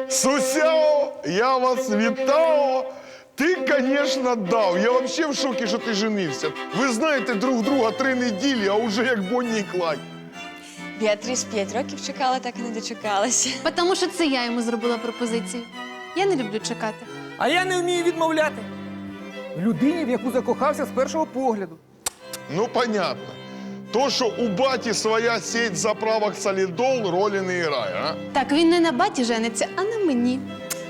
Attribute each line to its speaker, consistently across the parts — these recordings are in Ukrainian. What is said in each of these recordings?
Speaker 1: Сусяо, я вас вітаю. Ти, конечно, дав. Я вообще в шокі, що ти женився. Ви знаєте друг друга 3 неділі, а уже як Бонні і Клайд.
Speaker 2: Біатріс 5 років чекала, так і не дочекалася.
Speaker 3: Тому що це я йому зробила пропозицію. Я не люблю чекати.
Speaker 4: А я не вмію відмовляти. Людині, в яку закохався з першого погляду.
Speaker 1: Ну, понятно. То, що у баті своя сеть заправок солідол, ролі не грає, а?
Speaker 3: Так, він не на баті жениться, а на мені.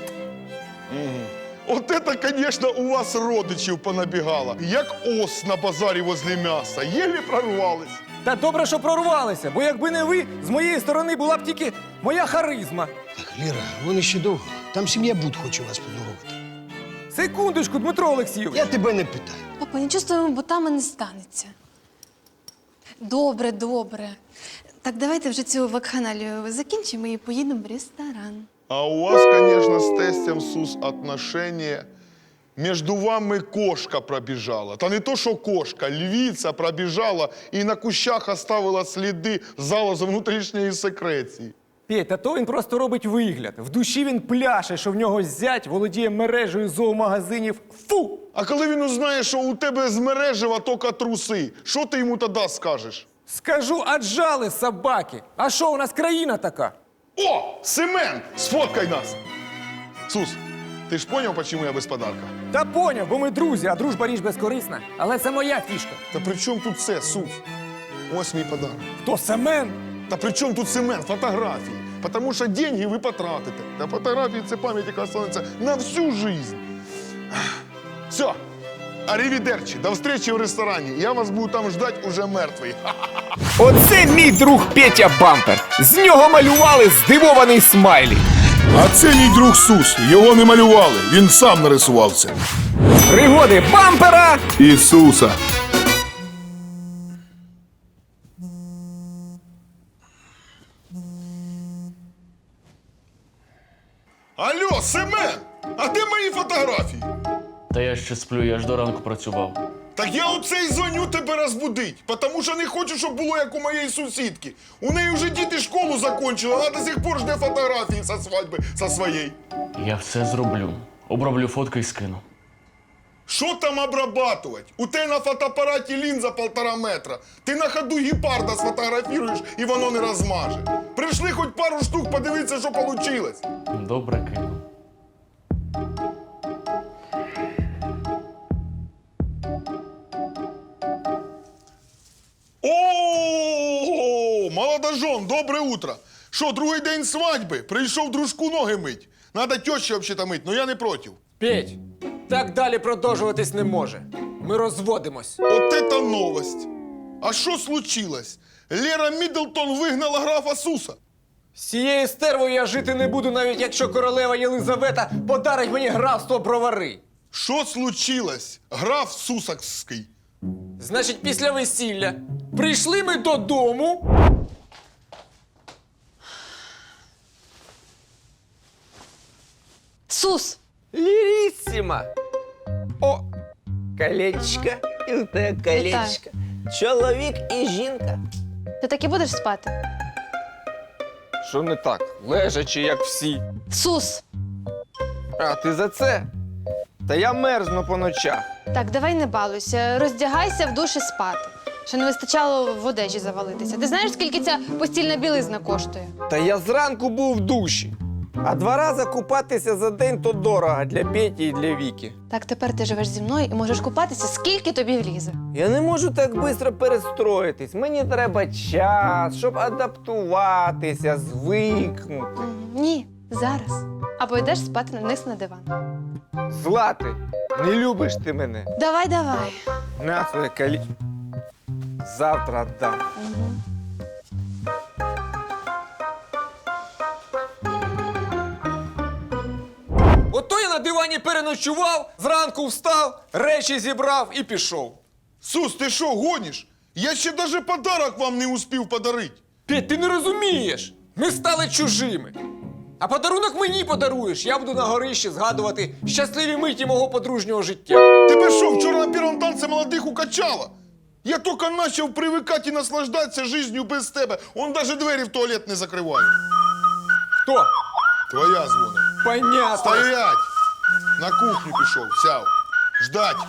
Speaker 1: От это, конечно, у вас родичів понабігало. Як ос на базарі возле м'яса. Єлі прорвались.
Speaker 4: Та добре, що прорвалися, бо якби не ви, з моєї сторони була б тільки моя харизма.
Speaker 5: Так, Ліра, вони ще довго. Там сім'я Буд хоче вас поздоровити.
Speaker 4: Секундочку, Дмитро Олексійович.
Speaker 5: Я тебе не питаю.
Speaker 3: Папа, нічого з твоїми ботами не станеться. Добре, добре. Так, давайте вже цю вакханалію закінчимо і поїдемо в ресторан.
Speaker 1: А у вас, конечно, з тестем СУС отношения. Между вами кошка пробіжала. Та не то, що кошка, львиця пробіжала і на кущах оставила сліди залозу внутрішньої секреції.
Speaker 4: Петь, та то він просто робить вигляд. В душі він пляше, що в нього зять володіє мережею зоомагазинів. Фу!
Speaker 1: А коли він узнає, що у тебе з мережева тільки труси, що ти йому тоді скажеш?
Speaker 4: Скажу, аджали собаки. А що, у нас країна така?
Speaker 1: О, Семен, сфоткай нас! Сус, ти ж поняв, чому я без подарка?
Speaker 4: Та поняв, бо ми друзі, а дружба річ безкорисна. Але це моя фішка.
Speaker 1: Та при чому тут це, Сус? Ось мій подарок.
Speaker 4: Хто, Семен?
Speaker 1: Та при чому тут Семен? Фотографії. Тому що деньги ви потратите. Та фотографії – це пам'ять, яка останеться на всю жизнь. Все. Арівідерчі. До встречі в ресторані. Я вас буду там ждать уже мертвий.
Speaker 6: Оце мій друг Петя Бампер. З нього малювали здивований смайлі.
Speaker 7: А це мій друг Сус. Його не малювали, він сам нарисував це.
Speaker 6: Пригоди Бампера.
Speaker 7: Ісуса.
Speaker 1: Алло, Семен! А де мої фотографії?
Speaker 8: Та я ще сплю, я ж до ранку працював.
Speaker 1: Так я оце й дзвоню тебе розбудить, тому що не хочу, щоб було як у моєї сусідки. У неї вже діти школу закончили, а до сих пор жде фотографії зі свадьби зі своєї.
Speaker 8: Я все зроблю. Оброблю фотки і скину.
Speaker 1: Що там обрабатувати? У тебе на фотоапараті лінза 1,5 метра. Ти на ходу гепарда сфотографіруєш і воно не розмаже. Прийшли хоч пару штук подивитися, що вийшло.
Speaker 8: Добре кину.
Speaker 1: О, молодожон, добре утро. Що, другий день свадьби? Прийшов дружку ноги мить. Надо тещі взагалі мить, но я не проти.
Speaker 4: Петь, так далі продовжуватись не може. Ми розводимось.
Speaker 1: От это новость. А що случилось? Лера Міддлтон вигнала графа Суса.
Speaker 4: З цією стервою я жити не буду, навіть якщо королева Єлизавета подарить мені графство бровари.
Speaker 1: Що случилось? Граф Сусакський.
Speaker 4: Значить, після весілля прийшли ми додому.
Speaker 3: Сус!
Speaker 6: Лірісіма. О, колечко. І у тебе колечко. Чоловік і жінка.
Speaker 3: Ти так і будеш спати?
Speaker 6: Що не так? Лежачи, як всі.
Speaker 3: Сус!
Speaker 6: А, ти за це? Та я мерзну по ночах.
Speaker 3: Так, давай не балуйся. Роздягайся в душі спати. Ще не вистачало в одежі завалитися. Ти знаєш, скільки ця постільна білизна коштує?
Speaker 6: Та я зранку був в душі. А 2 рази купатися за день то дорого для Петі і для Віки.
Speaker 3: Так, тепер ти живеш зі мною і можеш купатися, скільки тобі влізе.
Speaker 6: Я не можу так швидко перестроїтись. Мені треба час, щоб адаптуватися, звикнути.
Speaker 3: Ні, зараз. Або йдеш спати вниз на диван.
Speaker 6: Злати, не любиш ти мене.
Speaker 3: Давай, давай.
Speaker 6: На своє колечко. Завтра дам.
Speaker 4: Ото я на дивані переночував, зранку встав, речі зібрав і пішов.
Speaker 1: Сус, ти що, гониш? Я ще даже подарок вам не успів подарити.
Speaker 4: Петь, ти не розумієш. Ми стали чужими. А подарунок мені подаруєш. Я буду на горищі згадувати щасливі миті мого подружнього життя.
Speaker 1: Тебе що, вчора на першому танці молодих укачало? Я тільки почав привикати і наслаждатися життю без тебе. Он навіть двері в туалет не закриває.
Speaker 4: Хто?
Speaker 1: Твоя дзвонить.
Speaker 4: Понятно.
Speaker 1: Стоять! На кухню пішов, сяв. Ждать.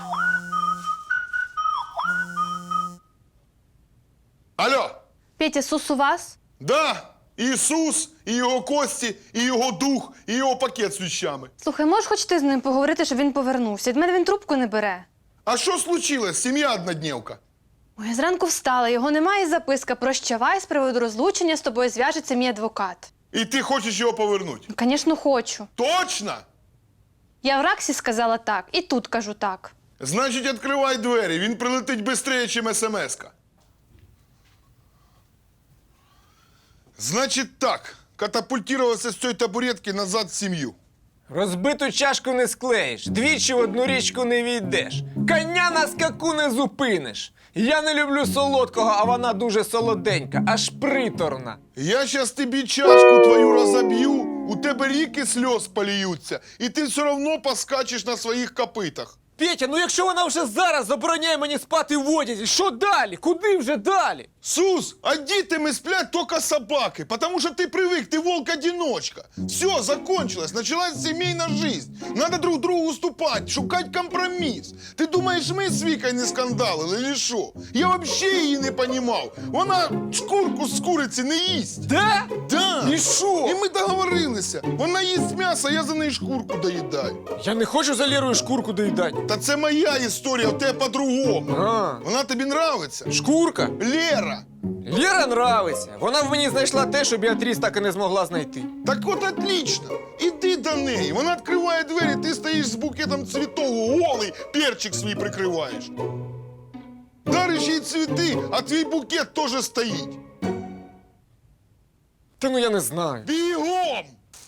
Speaker 1: Алло!
Speaker 3: Петя, Сус у вас?
Speaker 1: Да! Ісус, і його кості, і його дух, і його пакет з віщами.
Speaker 3: Слухай, можеш хоч ти з ним поговорити, щоб він повернувся? Від мене він трубку не бере.
Speaker 1: А що случилось? Сім'я однодневка.
Speaker 3: Ой, я зранку встала, його немає, і записка «Прощавай, з приводу розлучення з тобою зв'яжеться мій адвокат».
Speaker 1: І ти хочеш його повернути?
Speaker 3: Звісно, хочу.
Speaker 1: Точно?
Speaker 3: Я в Раксі сказала так, і тут кажу так.
Speaker 1: Значить, відкривай двері, він прилетить швидше, ніж смс-ка. Значить так, катапультувався з цієї табуретки назад в сім'ю.
Speaker 4: Розбиту чашку не склеїш, двічі в одну річку не війдеш. Коня на скаку не зупиниш. Я не люблю солодкого, а вона дуже солоденька, аж приторна.
Speaker 1: Я щас тобі чашку твою розоб'ю, у тебе ріки сльоз поліються, і ти все одно поскачеш на своїх копитах.
Speaker 4: Петя, ну якщо вона вже зараз забороняє мені спати в одязі, що далі? Куди вже далі?
Speaker 1: Сус, а дітями сплять только собаки, потому что ты привык, ты волк-одиночка. Все, закончилось, началась семейная жизнь. Надо друг другу уступать, шукать компромисс. Ты думаешь, мы с Викой не скандалили или що? Я вообще її не понимал. Вона шкурку з куриці не їсть.
Speaker 4: Да?
Speaker 1: Да.
Speaker 4: І що?
Speaker 1: І ми договорилися. Вона їсть м'ясо, я за неї шкурку доїдаю.
Speaker 4: Я не хочу за Лерою шкурку доїдати.
Speaker 1: Та це моя історія, в тебе по-другому.
Speaker 4: А,
Speaker 1: Вона тобі нравиться?
Speaker 4: шкурка?
Speaker 1: Лера.
Speaker 4: Лера нравиться. Вона в мені знайшла те, що Біатріс так і не змогла знайти.
Speaker 1: Так от отлично. Іди до неї. Вона відкриває двері, ти стоїш з букетом цвітов, голий, перчик свій прикриваєш. Дариш їй цвіти, а твій букет теж стоїть.
Speaker 4: Та ну я не знаю.
Speaker 1: Бігом!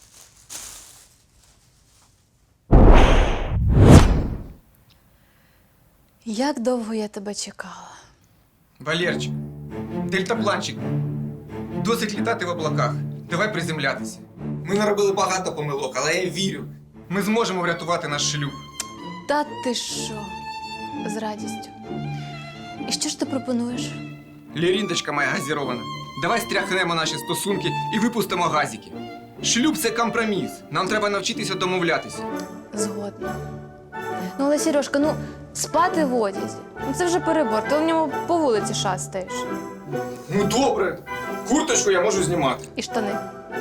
Speaker 3: Як довго я тебе чекала?
Speaker 6: Валерчик, дельтапланчик, досить літати в облаках. Давай приземлятися. Ми наробили багато помилок, але я вірю. Ми зможемо врятувати наш шлюб.
Speaker 3: Та ти що? З радістю. І що ж ти пропонуєш?
Speaker 6: Ліріндочка моя газірована. Давай стряхнемо наші стосунки і випустимо газики. Шлюб – це компроміс. Нам треба навчитися домовлятися.
Speaker 3: Згодна. Ну, але, Сережка, ну, спати в одязі. Ну, це вже перебор. Ти в ньому по вулиці шастаєш.
Speaker 6: Ну добре. Курточку я можу знімати.
Speaker 3: І штани,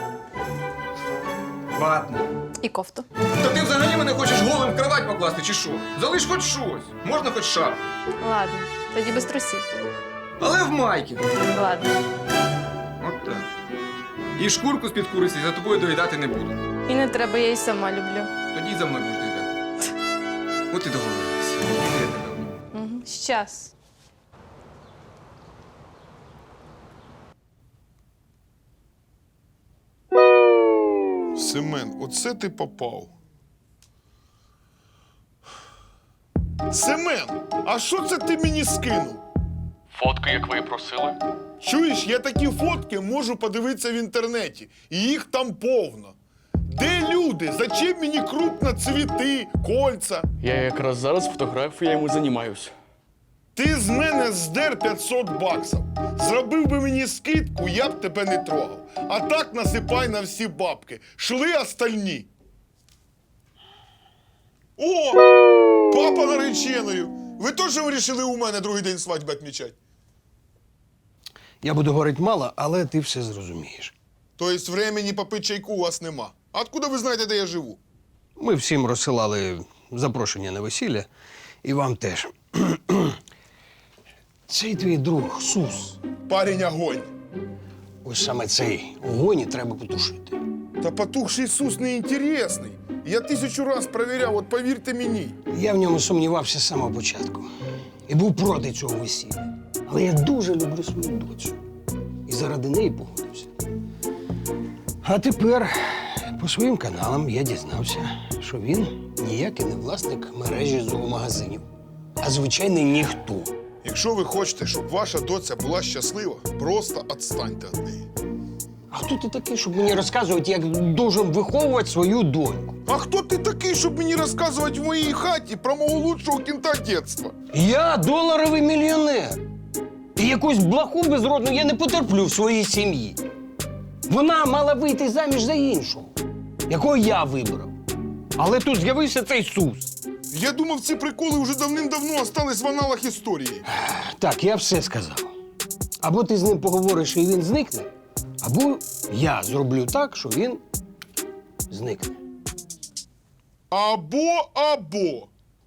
Speaker 6: Ватно.
Speaker 3: і кофту.
Speaker 6: Та ти взагалі мене хочеш голим в кровать покласти чи що? Залиш хоч щось. Можна хоч шар.
Speaker 3: Ладно, тоді без трусів.
Speaker 6: Але в майки.
Speaker 3: Ладно.
Speaker 6: От так. І шкурку з-під куриці за тобою доїдати не буду.
Speaker 3: І не треба, я її сама люблю.
Speaker 6: Тоді за мною будеш доїдати. От і договорилися. Я тебе обніму.
Speaker 3: Угу. Щас.
Speaker 1: Семен, оце ти попав. Семен, а що це ти мені скинув?
Speaker 8: Фотки, як ви і просили.
Speaker 1: Чуєш, я такі фотки можу подивитися в інтернеті. І їх там повно. Де люди? Зачем мені крупно цвіти, кольца?
Speaker 8: Я якраз зараз фотографіями займаюся.
Speaker 1: Ти з мене здер 500 баксів. Зробив би мені скидку, я б тебе не трогав. А так насипай на всі бабки. Шли остальні. О! Папа нареченою. Ви теж вирішили у мене другий день свадьби відмічати?
Speaker 5: Я буду говорити мало, але ти все зрозумієш.
Speaker 1: Тобто времени попити чайку у вас нема. А откуда ви знаєте, де я живу?
Speaker 5: Ми всім розсилали запрошення на весілля, і вам теж. Цей твій друг Сус.
Speaker 1: Парень огонь.
Speaker 5: Ось саме цей огонь і треба потушити.
Speaker 1: Та потухший Ісус не інтересний. Я 1000 раз перевіряв, от повірте мені.
Speaker 5: Я в ньому сумнівався з самого початку. І був проти цього весілля. Але я дуже люблю свою доцю. І заради неї погодився. А тепер по своїм каналам я дізнався, що він ніякий не власник мережі зоомагазинів, а звичайний ніхто.
Speaker 1: Якщо ви хочете, щоб ваша доця була щаслива, просто відстаньте від неї.
Speaker 5: А хто ти такий, щоб мені розказувати, як должен виховувати свою доньку?
Speaker 1: А хто ти такий, щоб мені розказувати в моїй хаті про мого лучшого кінта дитинства?
Speaker 5: Я доларовий мільйонер. І якусь блоху безродну я не потерплю в своїй сім'ї. Вона мала вийти заміж за іншого. якого я вибрав. Але тут з'явився цей Сус.
Speaker 1: Я думав, ці приколи вже давним-давно остались в аналах історії.
Speaker 5: Так, я все сказав. Або ти з ним поговориш і він зникне, або я зроблю так, що він зникне.
Speaker 1: Або.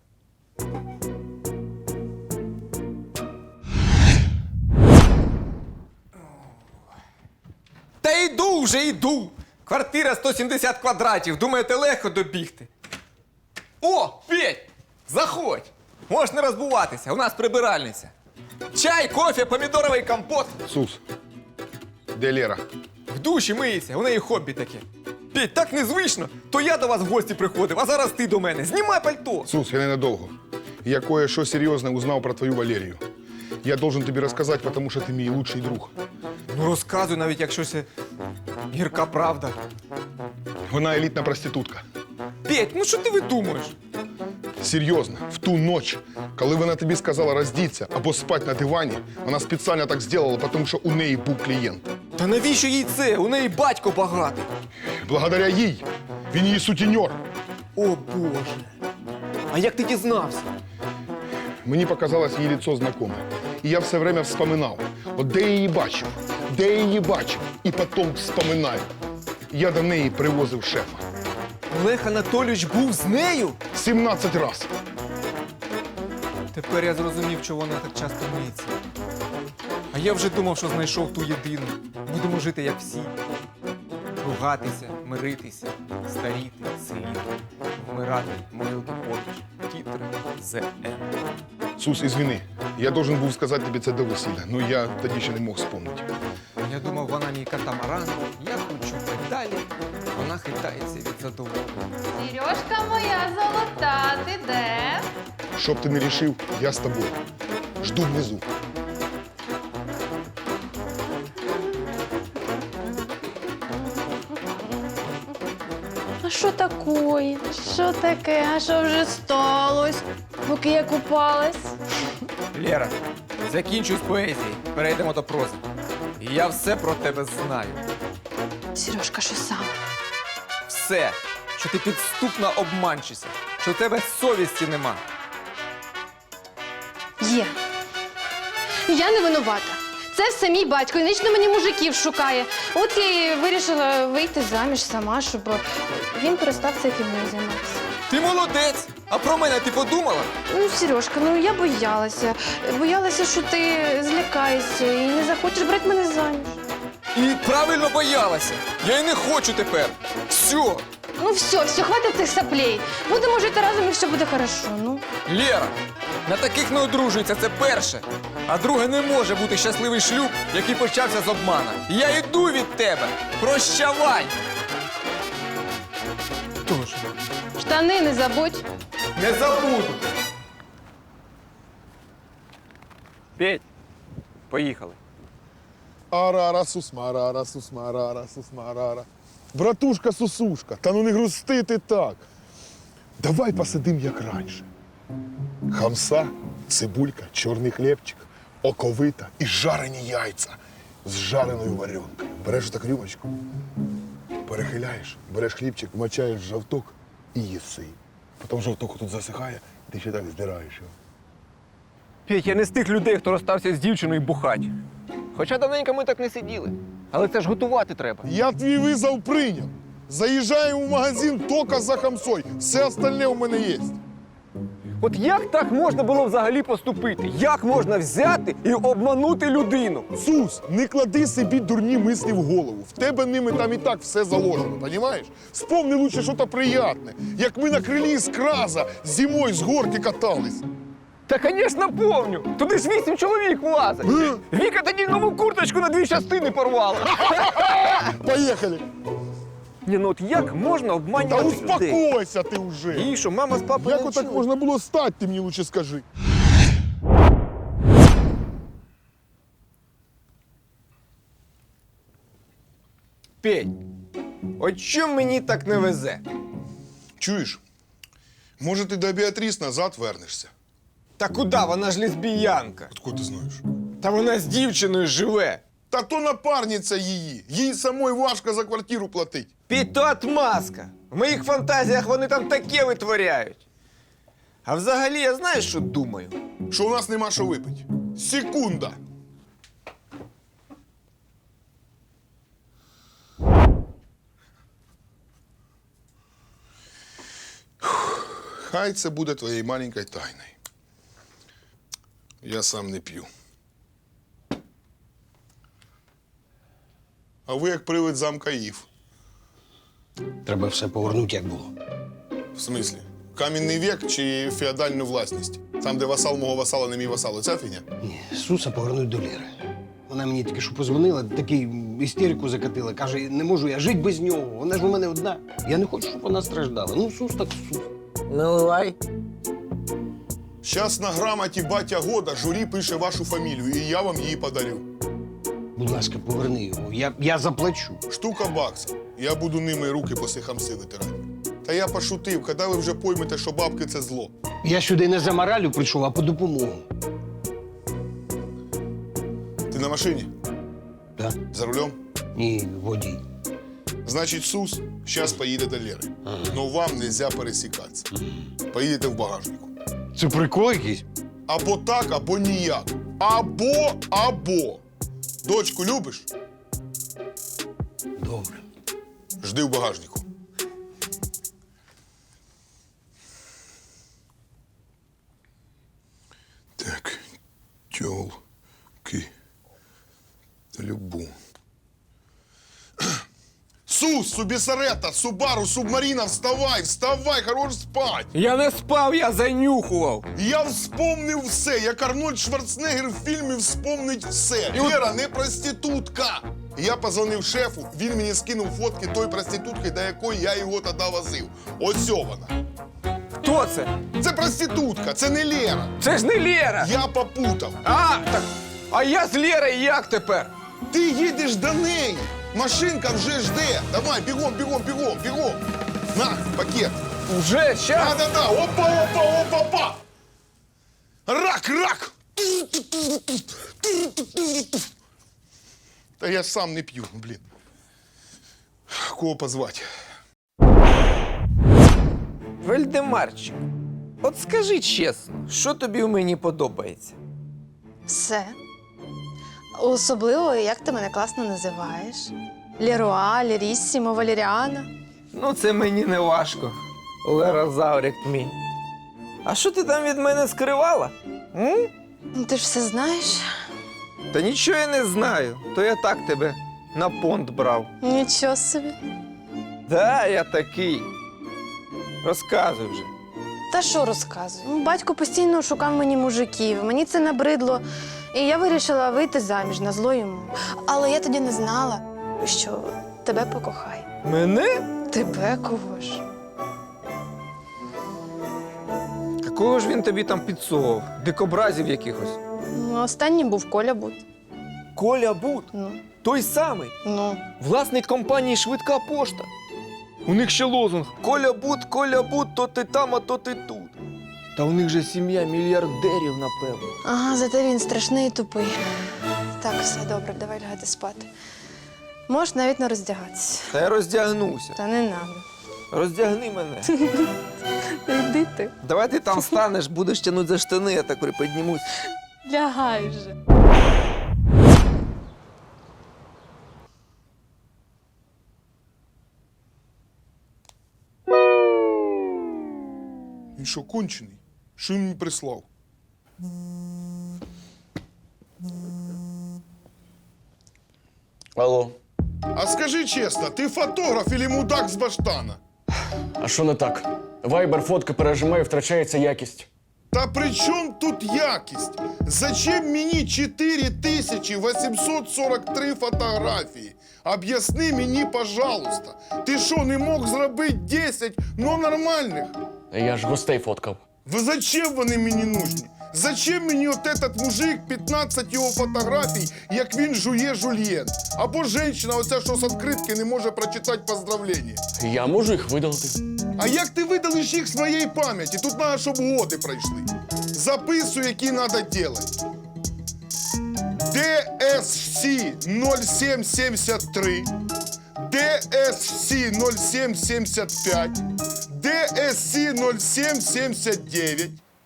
Speaker 4: Та йду вже, йду. Квартира 170 квадратів. Думаєте, легко добігти? О, Петь, заходь. Можеш не розбуватися, у нас прибиральниця. Чай, кофе, помідоровий компот.
Speaker 1: Сус, де Лера?
Speaker 4: В душі миється, у неї хобі таке. Петь, так незвично. То я до вас в гості приходив, а зараз ти до мене. Знімай пальто.
Speaker 1: Сус, я ненадовго. Я кое-що серйозне узнав про твою Валерію. Я должен тобі розказати, тому що ти мій лучший друг.
Speaker 4: Ну розказуй, навіть якщо це гірка правда.
Speaker 1: Вона елітна проститутка.
Speaker 4: Петь, ну що ти видумуєш?
Speaker 1: Серйозно, в ту ніч, коли вона тобі сказала роздіться або спати на дивані, вона спеціально так зробила, тому що у неї був клієнт.
Speaker 4: Та навіщо їй це? У неї батько багатий.
Speaker 1: Благодаря їй він її сутіньор.
Speaker 4: О Боже. А як ти дізнався?
Speaker 1: Мені показалось її лицо знакоме. І я все время вспоминав, от де я її бачив, і потім вспоминаю. Я до неї привозив шефа.
Speaker 4: Олег Анатолійович був з нею?
Speaker 1: 17 разів.
Speaker 4: Тепер я зрозумів, чого вона так часто миється. А я вже думав, що знайшов ту єдину. Будемо жити, як всі. Ругатися, миритися, старіти, силіти, вмирати, могилки поруч, тітри, ЗН.
Speaker 1: Сус, извини, я должен був сказати тобі це до весілля, але я тоді ще не мог вспомнити.
Speaker 4: Я думав, вона мій катамаран, я кручу педалі, вона хитається від задоволення.
Speaker 9: Сережка моя золота, ти де?
Speaker 1: Що б ти не рішив, я з тобою. Жду внизу.
Speaker 9: А що такое? Що таке? А що вже сталося, поки я купалась?
Speaker 4: Лера, закінчуй з поезії, перейдемо до прози. Я все про тебе знаю.
Speaker 3: Сережка, що саме?
Speaker 4: Все, що ти підступна обманщиця, що в тебе совісті нема.
Speaker 9: Є. Я не винувата. Це все мій батько, і вічно мені мужиків шукає. От я і вирішила вийти заміж сама, щоб він перестав цією фігнею займатися.
Speaker 4: Ти молодець! А про мене ти подумала?
Speaker 9: Ну, Сережка, ну я боялася. Боялася, що ти злякаєшся і не захочеш брати мене заміж.
Speaker 4: І правильно боялася. Я й не хочу тепер. Все.
Speaker 9: Ну все, хватить цих соплей. Будемо жити разом і все буде хорошо, ну.
Speaker 4: Лера, на таких не одружується, це перше. А друге, не може бути щасливий шлюб, який почався з обмана. Я йду від тебе. Прощавай. Тож,
Speaker 9: Штани не забудь.
Speaker 4: не забуду. Петь, поїхали.
Speaker 1: Арара, сусмарара, сусмарара, сусмарара. Братушка Сусушка, та ну не грусти ти так. Давай посидим, як раніше. Хамса, цибулька, чорний хлібчик, оковита і жарені яйця з жареною варенкою. Береш так рюмочку, перехиляєш, береш хлібчик, вмочаєш в жовток і їси. Потім жовток тут засихає, ти ще так здираєш його.
Speaker 4: Петь, я не з тих людей, хто розстався з дівчиною бухать. Хоча давненько ми так не сиділи. Але це ж готувати треба.
Speaker 1: Я твій визов прийняв. Заїжджаємо в магазин тільки за хамсой. Все остальне у мене є.
Speaker 4: От як так можна було взагалі поступити? Як можна взяти і обманути людину?
Speaker 1: Сус, не клади собі дурні мислі в голову. В тебе ними там і так все заложено, розумієш? Вспомни лучше щось приємне. Як ми на крилі з краза зимою з горки катались.
Speaker 4: Та, звісно, помню. Туди ж 8 чоловік влазить. Віка тоді нову курточку на 2 частини порвала.
Speaker 1: Поїхали.
Speaker 4: Ні, ну от як можна
Speaker 1: Та
Speaker 4: обманювати людей?
Speaker 1: успокойся ти вже.
Speaker 4: І що, мама з папою
Speaker 1: Як отак можна було стати, ти мені лучше скажи.
Speaker 4: Петь, от чому мені так не везе?
Speaker 1: Чуєш? Може, ти до Біатріс назад вернешся?
Speaker 4: Та куди? Вона ж лесбіянка.
Speaker 1: Откуда ти знаєш?
Speaker 4: Та вона з дівчиною живе.
Speaker 1: Та то напарниця її. Їй самой важко за квартиру платить.
Speaker 6: Піть, то отмазка. В моїх фантазіях вони там таке витворяють. А взагалі, я знаєш, що думаю?
Speaker 1: Що у нас нема що випити. Секунда. Хай це буде твоєю маленькою тайною. Я сам не п'ю. А ви як привид замка Ів.
Speaker 5: Треба все повернути, як було.
Speaker 1: В смислі? Кам'яний вік чи феодальну власність? Там, де васал мого васала не мій васал. Оця фігня?
Speaker 5: Ні, Суса повернуть до Лєри. Вона мені тільки що позвонила, такий істерику закатила. Каже, не можу я жити без нього. Вона ж у мене одна. Я не хочу, щоб вона страждала. Ну, Сус так Сус.
Speaker 6: Наливай.
Speaker 1: Щас на грамоті батя года журі пише вашу фамілію, і я вам її подарю.
Speaker 5: Будь ласка, поверни його. Я заплачу.
Speaker 1: Штука баксів. Я буду ними руки по хамси витирати. Та я пошутив, коли ви вже поймете, що бабки – це зло.
Speaker 5: Я сюди не за моралю прийшов, а по допомогу.
Speaker 1: Ти на машині?
Speaker 5: Так?
Speaker 1: За рулем?
Speaker 5: Ні, водій.
Speaker 1: Значить, Сус зараз поїде до Лєри. Но вам нельзя пересікатися. Поїдете в багажнику.
Speaker 5: Це прикол якийсь?
Speaker 1: Або так, або ніяк. Або. Дочку любиш?
Speaker 5: Добре.
Speaker 1: Жди в багажнику. Так, тёлки. Та любу. Сус, Субісарета, Субару, Субмарина, вставай, хорош спать.
Speaker 6: Я не спав, я занюхував.
Speaker 1: Я вспомнив все, як Арнольд Шварценеггер в фільмі «Вспомнить все». Лера не проститутка. Я позвонив шефу, він мені скинув фотки той проститутки, до якої я його тоді возив. Ось вона.
Speaker 6: Хто це?
Speaker 1: Це проститутка, це не Лера.
Speaker 6: Це ж не Лєра.
Speaker 1: Я попутав.
Speaker 6: А я з Лєрою як тепер?
Speaker 1: Ти їдеш до неї. Машинка вже жде. Давай, бігом. На, пакет.
Speaker 6: Вже, щас.
Speaker 1: Да. Опа. Рак. Та я сам не п'ю, блін. Кого позвати?
Speaker 6: Вельдемарчик, от скажи чесно, що тобі в мені подобається?
Speaker 9: Все. Особливо, як ти мене класно називаєш. Леруа, Леріссімо, Валеріана.
Speaker 6: Ну, це мені не важко. Лерозаврик мій. А що ти там від мене скривала? М?
Speaker 9: Ну, ти ж все знаєш.
Speaker 6: Та нічого я не знаю. То я так тебе на понт брав.
Speaker 9: Нічого собі.
Speaker 6: Да, я такий. Розказуй вже.
Speaker 9: Та що розказую? Ну, батько постійно шукав мені мужиків, мені це набридло. І я вирішила вийти заміж на зло йому. Але я тоді не знала, що тебе покохає.
Speaker 6: Мене?
Speaker 9: Тебе кого ж?
Speaker 6: Какого ж він тобі там підсовував? Дикобразів якихось?
Speaker 9: Ну, останнім був Коля Бут.
Speaker 6: Коля Бут?
Speaker 9: Ну,
Speaker 6: Той самий.
Speaker 9: ну.
Speaker 6: Власник компанії «Швидка пошта». У них ще лозунг Коля Бут, то ти там, а то ти тут. Та у них же сім'я мільярдерів, напевно.
Speaker 9: Ага, зате він страшний і тупий. Так, все добре, давай лягати спати. Можеш навіть не роздягатися.
Speaker 6: Та я роздягнуся.
Speaker 9: Та не надо.
Speaker 6: Роздягни мене.
Speaker 9: Йди ти.
Speaker 6: Давай ти там станеш, будеш тягнути за штани, я так приподнімусь.
Speaker 9: Лягай вже.
Speaker 1: Він що, кончений? Що він мені прислав?
Speaker 8: Алло,
Speaker 1: А скажи чесно, ти фотограф или мудак з баштана?
Speaker 8: а що не так? Вайбер фотки пережимає, втрачається якість.
Speaker 1: Та при чому тут якість? Зачем мені 4843 фотографії? Об'ясни мені, пожалуйста. Ти що, не мог зробити 10, но нормальних?
Speaker 8: Я ж гостей фоткав.
Speaker 1: Ви зачем вони мені нужні? Зачем мені от этот мужик, 15 його фотографій, як він жує жульєн? Або жінка, оця, що з відкритки не може прочитати поздравлення.
Speaker 8: Я можу їх видалити.
Speaker 1: А як ти видалиш їх з моєї пам'яті? Тут треба, щоб годи пройшли. Записуй, які треба робити. DSC 0773 DSC 0775, DSC 0779.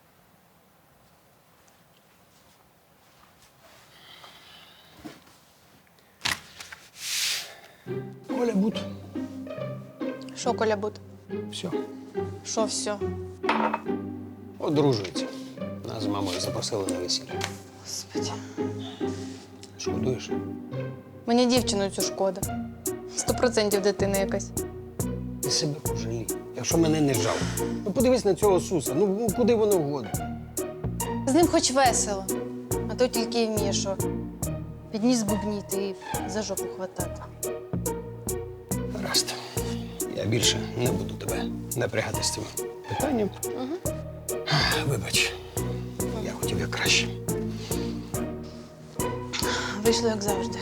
Speaker 5: Коля Бут.
Speaker 9: Що, Коля Бут?
Speaker 5: Все.
Speaker 9: Що все?
Speaker 5: Одружується. Нас з мамою запросили на весілля.
Speaker 9: Господи.
Speaker 5: Шкодуєш?
Speaker 9: Мені дівчину цю шкода. 100% дитина якась.
Speaker 5: Ти себе пожалій. Якщо мене не жалко. Ну подивись на цього Суса. Ну куди воно вгодно?
Speaker 9: З ним хоч весело. А то тільки й вміє, що підніс бубніти і за жопу хватати.
Speaker 5: Гаразд. Я більше не буду тебе напрягати з цим питанням. Вибач, я хотів як краще.
Speaker 9: Вийшло, як завжди.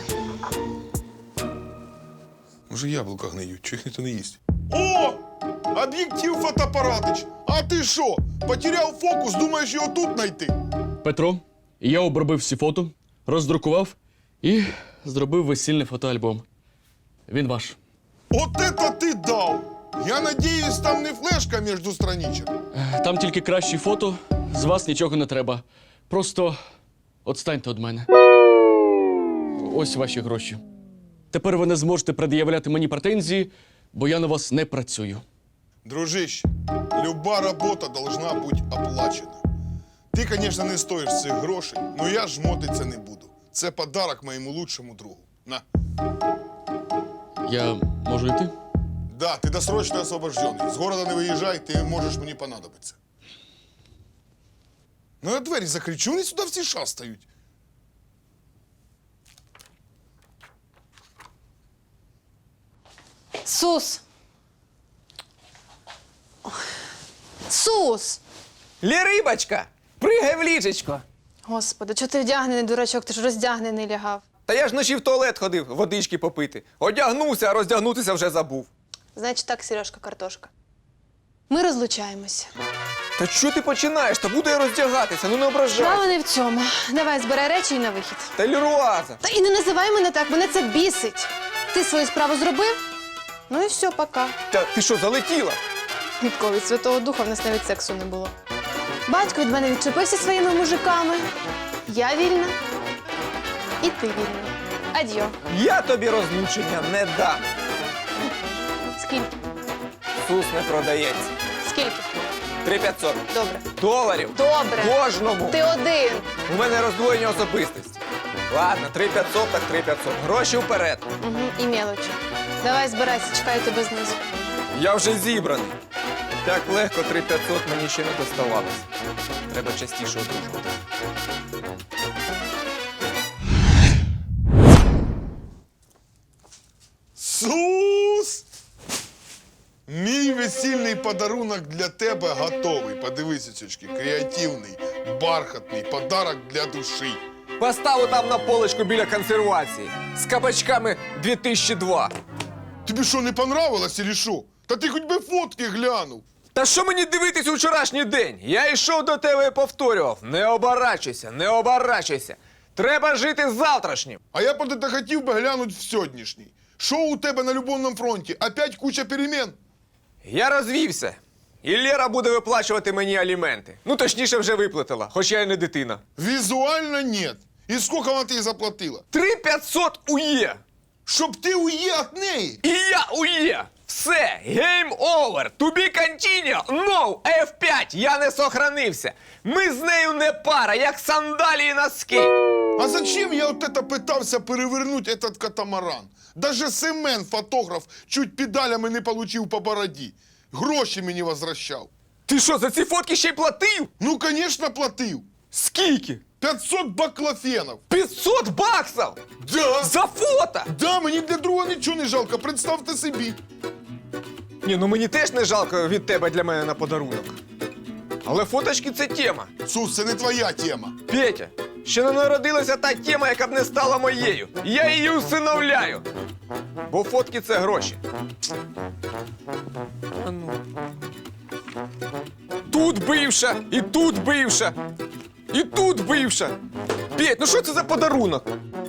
Speaker 1: Може, яблука гниють, чи їх ніхто не їсть? О! Об'єктив фотоапаратич! А ти що? Потеряв фокус, думаєш його тут знайти?
Speaker 8: Петро, я обробив всі фото, роздрукував і зробив весільний фотоальбом. Він ваш.
Speaker 1: От это ти дав! Я надіюсь, там не флешка між страничок.
Speaker 8: Там тільки кращі фото, з вас нічого не треба. Просто отстаньте від мене. Ось ваші гроші. Тепер ви не зможете пред'являти мені претензії, бо я на вас не працюю.
Speaker 1: Дружище, люба робота должна бути оплачена. Ти, звісно, не стоїш цих грошей, але я жмотиться не буду. Це подарок моєму лучшому другу. На.
Speaker 8: Я можу йти?
Speaker 1: Да, ти досрочно освобождений. З города не виїжджай, ти можеш мені понадобитися. Ну, я двері закрий, чого вони сюди всі шастають?
Speaker 9: Сус! Сус!
Speaker 6: Лірибочка, пригай в ліжечко.
Speaker 9: Господи, чого ти вдягнений, дурачок, ти ж роздягнений лягав.
Speaker 6: Та я ж вночі в туалет ходив, водички попити. Одягнувся, а роздягнутися вже забув.
Speaker 9: Значить так, Сережка, картошка. Ми розлучаємося.
Speaker 6: Та що ти починаєш? Та буду я роздягатися, ну не ображай.
Speaker 9: Справа не в цьому. Давай, збирай речі і на вихід.
Speaker 6: Та Ліруаза.
Speaker 9: Та і не називай мене так, мене це бісить. Ти свою справу зробив? Ну і все, пока.
Speaker 6: Та ти що, залетіла?
Speaker 9: Відколи від Святого Духа в нас навіть сексу не було. Батько від мене відчепився своїми мужиками. Я вільна. І ти вільна. Адьо.
Speaker 6: Я тобі розлучення не дам.
Speaker 9: Скільки?
Speaker 6: Сус не продається.
Speaker 9: Скільки?
Speaker 6: 3500.
Speaker 9: Добре.
Speaker 6: Доларів.
Speaker 9: Добре.
Speaker 6: Кожному.
Speaker 9: Ти один.
Speaker 6: У мене роздвоєння особистості. Ладно, 3500 так 3500. Гроші вперед.
Speaker 9: Угу. І мелочі. Давай збирайся, чекаю тебе знизу.
Speaker 6: Я вже зібраний. Так легко 3500 мені ще не доставалося. Треба частіше одружувати.
Speaker 1: Сус! Мій весільний подарунок для тебе готовий. Подивися, цючки, креативний, бархатний подарок для душі.
Speaker 6: Поставу там на полочку біля консервації. З кабачками 2002.
Speaker 1: Тобі що, не понравилось, или що? Та ти хоч би фотки глянув.
Speaker 6: Та що мені дивитись у вчорашній день? Я йшов до тебе і повторював. Не оборачуйся, не оборачуйся. Треба жити завтрашнім.
Speaker 1: А я б ти хотів би глянути в сьогоднішній. Що у тебе на любовному фронті? Опять куча перемен?
Speaker 6: Я розвівся. І Лера буде виплачувати мені аліменти. Ну, точніше, вже виплатила, хоч я й не дитина.
Speaker 1: Візуально нет. І скільки вона тобі заплатила?
Speaker 6: 3500 УЄ.
Speaker 1: Щоб ти уїв від неї.
Speaker 6: І я УЄ. Все, game over. To be continue. No, F5, я не сохранився. Ми з нею не пара, як сандалії і носки.
Speaker 1: А зачем я от это пытался перевернуть этот катамаран? Даже Семен, фотограф, чуть педалями не получив по бороді. Гроші мені возвращав.
Speaker 6: Ти що, за ці фотки ще й платив?
Speaker 1: Ну, конечно, платив.
Speaker 6: Скільки?
Speaker 1: 500 баклофенов.
Speaker 6: 500 баксів?
Speaker 1: Да.
Speaker 6: За фото?
Speaker 1: Да, мені для другого нічого не жалко, представте собі.
Speaker 6: Ні, ну мені теж не жалко від тебе для мене на подарунок. Але фоточки – це тема.
Speaker 1: Сус, це не твоя тема.
Speaker 6: Петя, ще не народилася та тема, яка б не стала моєю. Я її усиновляю. Бо фотки – це гроші. А ну. Тут бивша, і тут бивша, і тут бивша. Петь, ну що це за подарунок?